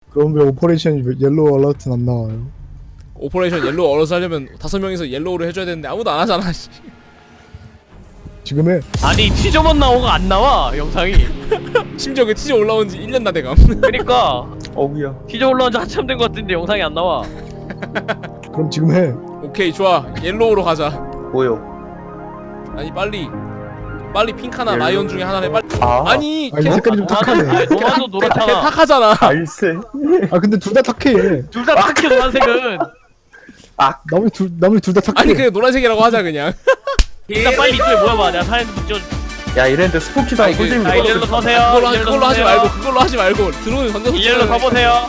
그럼 왜 오퍼레이션 옐로우 알러트는 안 나와요? 오퍼레이션 옐로우 얼어서 하려면 5명이서 옐로우를 해줘야 되는데 아무도 안 하잖아. 씨. 지금 해. 아니 티저만 나오가 안 나와 영상이. 심지어 그 티저 올라온 지 1년 다 돼감. 그니까 어우야. 티저 올라온 지 한참 된 것 같은데 영상이 안 나와. 그럼 지금 해. 오케이 좋아, 옐로우로 가자. 뭐요? 아니 빨리 핑크나 옐로우. 라이언 중에 하나를 빨리. 아. 아니 아니 색깔이 좀 탁하네. 노란도 걔 노랗잖아. 탁하잖아. 알세. 아 근데 둘 다 탁해. 둘 다 탁해 노란색은. 나머지 둘 다 탁해. 아니 그냥 노란색이라고 하자 그냥. 일단 빨리 이쪽에 모여봐. 내가 사진 좀 찍어줄게. 야 이랬는데 스포키도 아니, 안 꽂으면 자 일렬로 서세요. 그걸로 하지 말고 드론을 던져서 일렬로 찍어야 돼. 서보세요.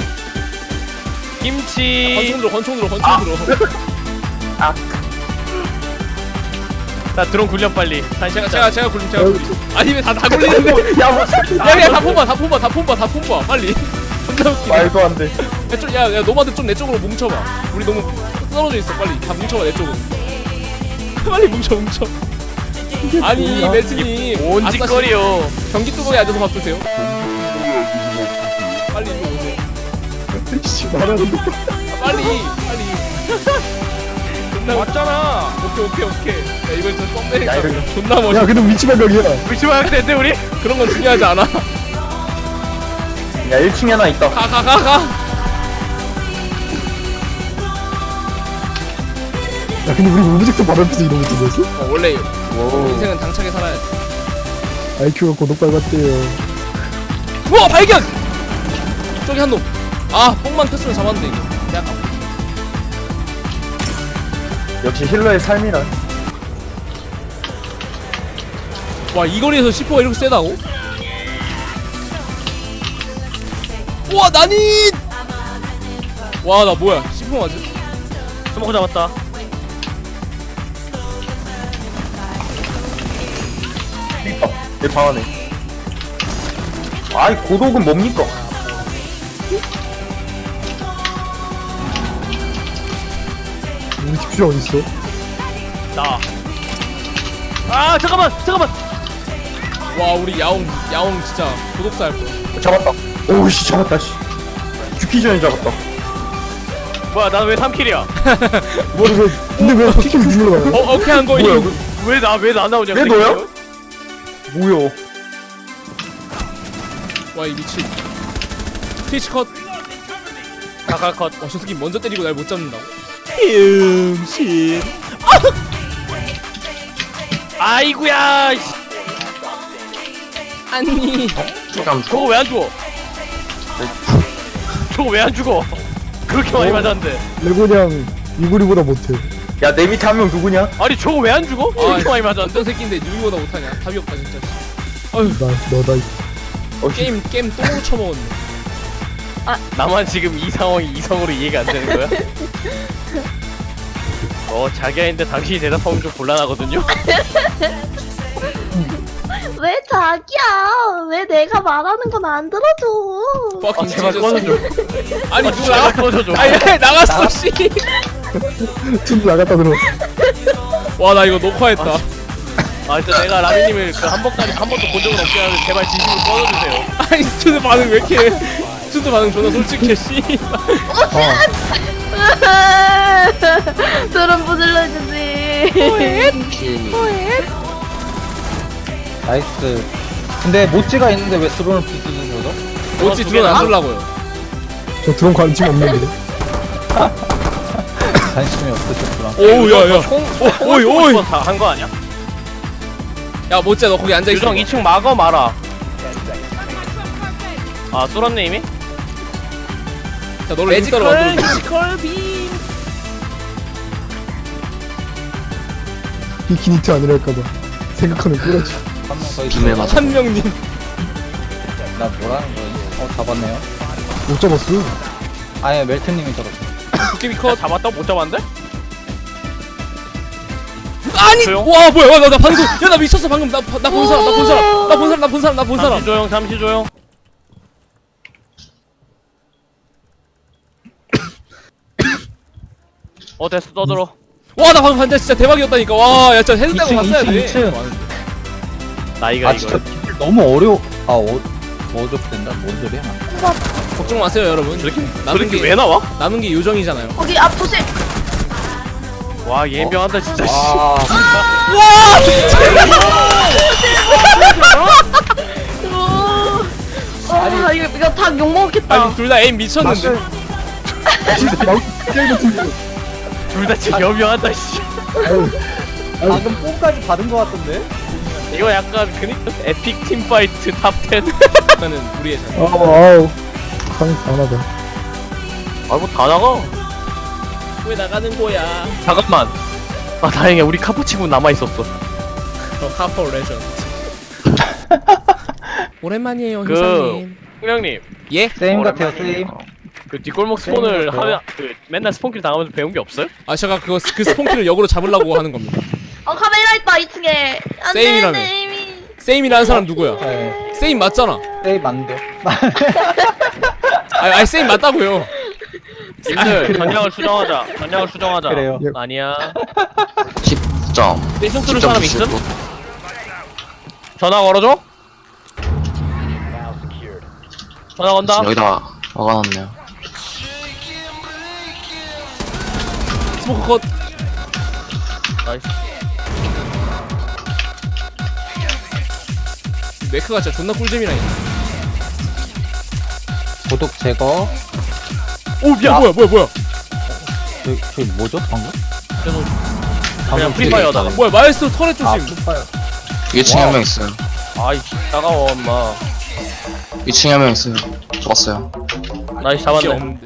김치. 권총 들어. 자 드론 굴려 빨리. 다시 제가 굴림. 아니 왜 다 굴리는데? 야 뭐. 야, 다 폼봐. 빨리. 존나 웃기네. 말도 안 돼. 야, 노마드 좀 내 쪽으로 뭉쳐봐. 우리 너무 떨어져 있어. 빨리 다 뭉쳐봐 내 쪽으로. 빨리 뭉쳐. 아니 매트님. 뭔 짓거리요. 경기 뚜껑에 앉아서 밥 드세요. 빨리 이리 오세요. 씨 말하는데. 빨리. 존나 왔잖아. 오케이. 야 이번 진짜 썸네일 야, 이거- 존나 멋있어. 야 근데 위치 발각이야. 위치 마약 됐는데 우리? 그런 건 중요하지 않아. 야 1층에 하나 있다. 가. 야 근데 우리 오브젝트 바로 옆에서 이러고 있던 거지? 원래 오. 인생은 당차게 살아야지. IQ가 고독 밟았대요. 우와 발견! 저기 한 놈. 아 뽕만 켰으면 잡았는데 이거. 내가 역시 힐러의 삶이라. 와 이 거리에서 C4가 이렇게 세다고? 우와 나니! 와 나 뭐야 C4 맞아? 스모크 잡았다. 있다. 얘방 안에. 아이 고독은 뭡니까? 우리 집주자 어딨어? 나. 아 잠깐만. 와 우리 야옹 진짜 고독사 할 거야. 잡았다. 오우씨 잡았다 씨. 죽기 전에 잡았다. 뭐야 나 왜 3킬이야? 뭐를 왜 근데 왜 피킹 눌러가요? 오케이 한 거임. 뭐야? 왜 나 나오냐? 왜 너야? 뭐야? 와 이 미친. 트위치 컷. 가갈컷. 와저 새끼 먼저 때리고 날 못 잡는다고? 병신. 아이구야. 씨. 아니. 잠깐. 저거 왜 안 죽어? 저거 왜 안 죽어? 그렇게 많이 맞았는데. 레고냥 이구리보다 못해. 야 내 밑에 한 명 누구냐? 아니 저거 왜 안 죽어? 그렇게 많이 맞았는데. 어떤 새끼인데 유미보다 못하냐? 답이 없다 진짜. 너다. 게임 똥으로 쳐먹었네. 나만 지금 이 상황이 이성으로 이해가 안 되는 거야? 자기야인데 당신이 대답하면 좀 곤란하거든요? 왜 자기야? 왜 내가 말하는 건 안 들어줘? fucking 제발 Jesus. 꺼져줘. 아니 제발 누가? 꺼져줘. 아니 나갔어 씨. 춤 나갔다 들어. 와 나 이거 녹화했다. 진짜 내가 라미님을 그 한 번도 본 적은 없긴 한데 제발 진심으로 꺼져주세요. 아니 춘드 반응 왜 이렇게? 춘드 반응 존나 솔직해 씨. 드럼 부질러주지. 나이스. 근데 모찌가 있는데 왜 드론을 부수는 거죠? 어찌 드론 안 쏠라고요? 저 드론 관심 없는데. 관심이 없으셨구나. 오우 야야. 오이. 한거 아니야? 야 모찌야 너 거기 앉아 있어. 유정 2층 막어 말아. 쏠았네 이미? 자 너를 인스타로 만들어. 비키니트 아니랄까봐 생각하면 꾸러지. 한명더 있어. 한명님. 나 뭐라는 거지? 잡았네요. 못 잡았어. 아예 멜트님이 잡았어. 도깨비 컷. 잡았다고 못 잡았는데? 아니. 조용. 와 뭐야 나 방금. 야나 미쳤어 방금 나 본 사람. 잠시 조용. 됐어 떠들어. 와 나 방금 반자 진짜 대박이었다니까. 와야 진짜 헤드다고 2층, 봤어야 돼. 2층. 나이가 아 진짜 너무 어려워. 어접된다. 뭔 소리야? 걱정 마세요 여러분. 저렇게 왜 나와? 남은 게 요정이잖아요. 거기 앞 조심. 와 예명한다 진짜. 씨. 이거 다 욕먹겠다. 아니 둘 다 에임 미쳤는데. 둘 다 진짜 여명한다 씨. 방금 뽕까지 받은 거 같던데? 이거 약간 그니까 에픽 팀파이트 탑 10. 일단은 우리의 자. 아우 상이 강하다. 아이고 다 나가. 왜 나가는 거야? 잠깐만. 아 다행이야 우리 카푸치고 남아 있었어. 카퍼 레전드. 오랜만이에요 그 형사님. 형님 예? 세임 같아요 세임. 그 뒷골목 스폰을 하면 그 맨날 스폰킬 당하면서 배운 게 없어요? 아 제가 그 스폰키를 역으로 잡으려고 하는 겁니다. 카메라 있다 2층에. 안돼 세임이라며. 세임이. 세임이라는 사람 누구야? 네. 세임 맞잖아. 세임 맞는데. 아니 세임 맞다고요. 님들 전략을 수정하자. 전략을 수정하자. 그래요. 아니야. 10점. 내신 뚫을 사람 있음? 전화 걸어줘? 전화 건다. 여기다 막아놨네요. 스모크 컷. 나이스. 네크가 진짜 존나 꿀잼이라니. 고독 제거. 오 미안 뭐야? 저기 뭐죠 방금? 그냥 프리파이어다. 뭐야 마에스트로 터렛 조심. 슈퍼요. 2층에 한 명 있어요. 아이씨 따가워 엄마. 2층에 한 명 있어요. 죽었어요. 나이스 진짜 잡았네. 없는데.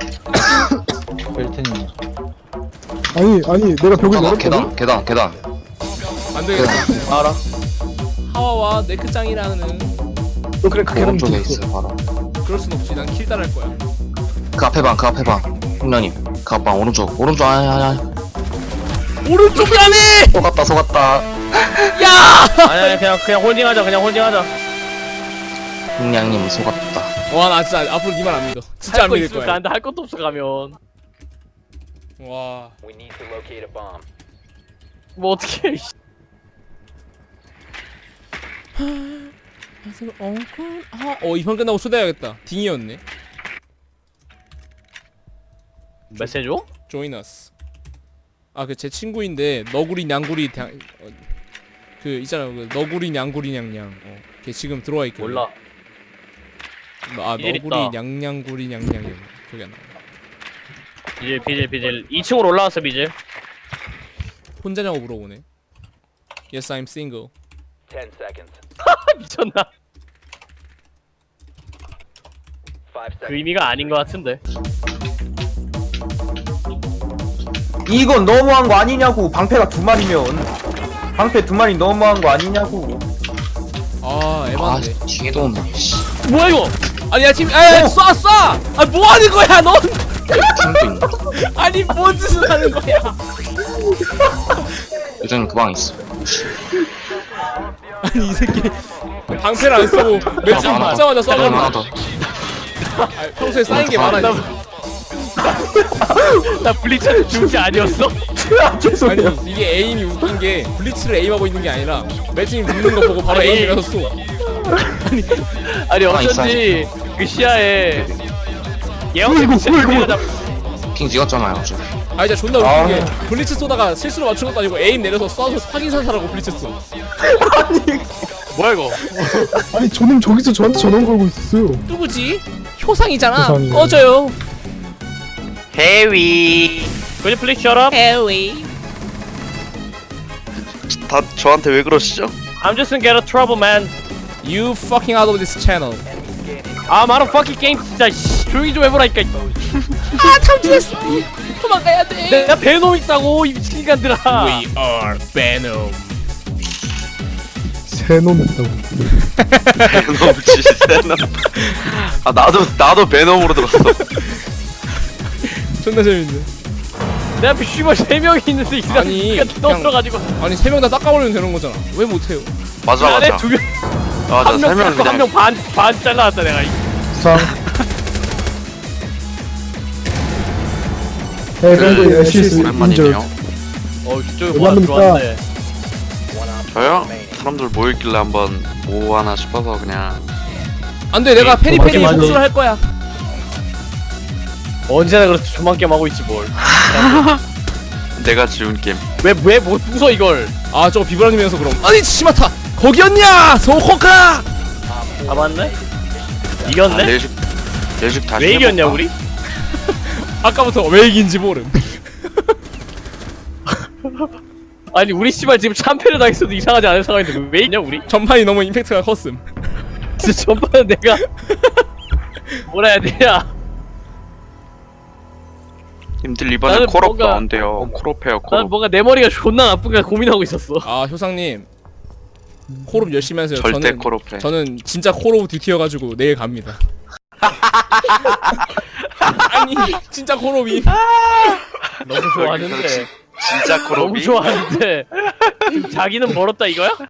멜트님. 아니 내가 벽을 계단, 열었거든. 계단. 안 되겠다. 알아. 하와와 네크짱이라는. 너 그래 그 계단 오른쪽에 밑에 있어. 있어요, 바로. 그럴 순 없지. 난 킬 따랄 거야. 그 앞에 방. 형님. 그 앞방 오른쪽. 아니. 오른쪽이라네. 속았다. 야. 아니 그냥 홀딩하자. 형님 속았다. 와 나 진짜 앞으로 니만 안 믿어. 진짜 안 할거 믿을 있으면 거야. 나한테 할 것도 없어 가면. 와. 뭐 어떻게? 이편 끝나고 초대해야겠다. 딩이었네. 메시지 줘? Join us. 그 제 친구인데 너구리 냥구리 그 있잖아요. 그 너구리 냥구리 냥냥. 걔 지금 들어와 있거든. 몰라. 너구리 있다. 냥냥구리 냥냥이 기억이 안 나. 비질 2층으로 올라왔어 비질. 혼자냐고 물어보네. Yes, I'm single. 미쳤나? 그 의미가 아닌 것 같은데. 이건 너무한 거 아니냐고. 방패가 2마리면. 방패 2마리 너무한 거 아니냐고. 에반데. 뒤에도 온다. 씨. 뭐야 이거? 아니 야 지금 쏴! 뭐 하는 거야 넌? 팀도 있나? 아니 뭔 짓을 하는 거야? 요즘 그 방에 있어. 아니 이 새끼 방패를 안 쓰고 매칭 하나 맞자마자 더. 하나 쏴가지고. 더. 평소에 쌓인 게 많아. 나 블리츠 중지 아니었어? 아니 이게 에임이 웃긴 게 블리츠를 에임하고 있는 게 아니라 매칭이 붙는 거 보고 바로 아니, 에임이라서 쏘. 아니 어쩐지 그 시야에 예언이 미쳤다. 핑 찍었잖아요. 어차피. 진짜 존나 웃긴 게 블리츠 쏘다가 실수로 맞춘 것도 아니고 에임 내려서 쏴서 확인 사살하고 블리츠 쏘. 뭐야 이거? 아니 저놈 저기서 저한테 전화 걸고 있었어요. 누구지? 효상이잖아. 효상이요. 꺼져요. 해위. Could you please shut up? 에이. 다 저한테 왜 그러시죠? I'm just in get a trouble man. You fucking out of this channel. 아 마루 fucking 게임 진짜 씨, 조용히 좀 해보라니까. 탐지했어. 도망가야 돼. 내가 베놈 있다고 이 미친 인간들아. We are Venom. 새놈 했다고. 베놈 지세는 아 나도 베놈으로 들었어. 존나 재밌네. 내 앞에 씨발 3명이 있는데 이 아니, 사람이 그냥- 떠들어가지고 아니 3명 다 닦아버리면 되는 거잖아. 왜 못해요? 맞아. 안에 2명 맞아. 한명 설명 그냥 한명 반 잘라놨다 내가. 상. 밴드 애쉬스 오랜만이네요. 저쪽에 뭐 하나 얼마입니까? 들어왔네. 저요? 사람들 모였길래 한번 뭐 하나 싶어서 그냥 안돼 내가 페리페리 마지막에- 복수를 할 거야. 언제나 그렇지 조만 게임 하고 있지 뭘. 내가 지운 게임. 왜못 부숴 이걸? 아 저거 비브라님이면서 그럼. 아니 치마타 거기였냐 소호카. 잡았네? 아, 이겼네? 내식 다시 왜 이겼냐 해볼까? 우리? 아까부터 왜 이긴지 모름. 아니 우리 씨발 지금 참패를 당했어도 이상하지 않은 상황인데 왜 이겼냐 우리? 전판이 너무 임팩트가 컸음. 진짜 전반은 내가 뭐라 해야 되냐? 님들 이번에 나는 콜업 뭔가- 나온대요. 콜업해요 난 콜업. 뭔가 내 머리가 존나 나쁜가 고민하고 있었어. 아 효상님 콜옵 열심히 하세요. 절대 콜업해. 저는 진짜 콜 오브 듀티여가지고 내일 갑니다. 아니 진짜 콜옵이. 너무 좋아하는데. 진짜 너무 콜업이. 좋아하는데. 지금 자기는 멀었다 이거야?